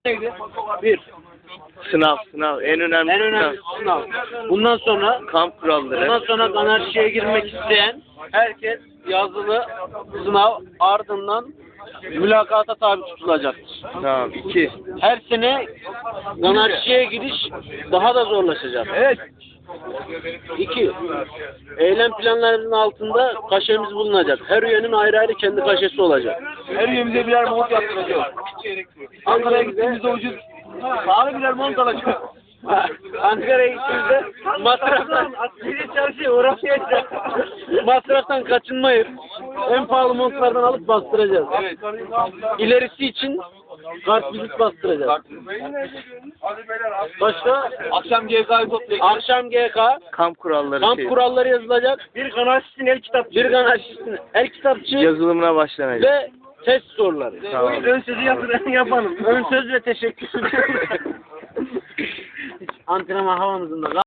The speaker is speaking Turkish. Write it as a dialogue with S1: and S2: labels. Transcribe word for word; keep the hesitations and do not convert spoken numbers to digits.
S1: neydi? Bir.
S2: Sınav, sınav. En önemli
S1: En önemli
S2: sınav.
S1: sınav. Bundan sonra
S2: Kamp kuralları.
S1: bundan sonra anarşiye girmek isteyen herkes yazılı sınav ardından mülakata tabi tutulacaktır.
S2: Tamam. İki.
S1: Her sene anarşiye giriş daha da zorlaşacak. Evet. İki. Eylem planlarının altında kaşemiz bulunacak. Her üyenin ayrı ayrı kendi kaşesi olacak.
S3: Her üyemize birer mont yaptıracağız. Ankara'ya gittiğimizde ucuz pahalı birer mont alacağız.
S1: Ankara'ya gittiğimizde masraftan askeri çarşıya uğraşmayacağız. Masraftan kaçınmayıp en pahalı montlardan alıp bastıracağız.
S3: Evet.
S1: İlerisi için kartvizit bastıracağız. Başka?
S3: Akşam G K'yı toplayacağız.
S1: Akşam G K,
S2: Kamp kuralları.
S1: kamp
S2: şey.
S1: kuralları yazılacak. Bir anarşistin el kitapçı. Bir anarşistin el kitapçı
S2: Yazılımına başlanacak.
S1: ve test soruları.
S2: Tamam.
S1: Ön sözü yapın, yapalım. Ön söz ve teşekkür. Antrenman havamızın da